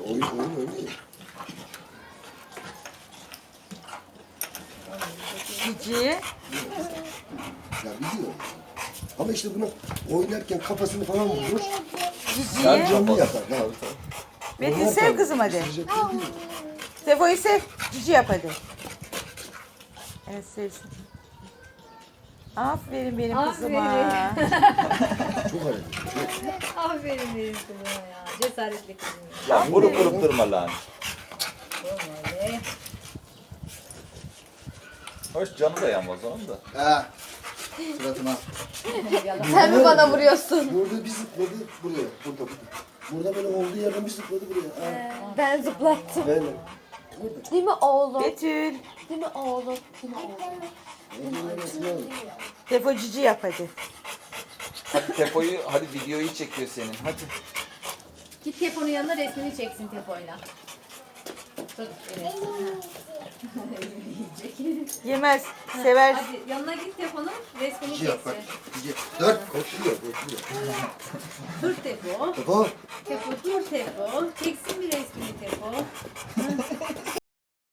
Oyun. Cici. Ya biliyorum. Ama işte bunu oynarken kafasını falan vurur. Cici'ye. Canlı yapar. Ha. Metin sev kızım hadi. Isıracak değil mi? Sefo'yu sev. Cici yap hadi. Evet sevsin. Aferin benim kızıma. Çok hareketli. Aferin benim kızıma ya. Cesaretli kızım. Ya vurup vurup durma lan. Böyle. Hoş canı da yanmaz onun da. Ha. Suratıma. Sen mi bana vuruyorsun? Burada bir zıpladı buraya. Burada böyle olduğu yerden bir zıpladı buraya. Ha. Ben zıplattım. Böyle. Değil mi oğlum? Betül. Değil mi oğlum? Değil mi oğlum? Olduğu yerden yani. Sefo cici yap hadi. Hadi Tepo'yu, hadi videoyu çekiyor senin. Hadi. Git Tepo'nun yanına resmini çeksin Tepo'yla. Tut, evet. Yemez. Sever. Hadi yanına git Tepo'nun resmini Cici yap bak. çeksin. Cici. Dur. Koşuyor. Dur Tepo. Tamam. Tepo dur Tepo. Çeksin bir resmini Tepo.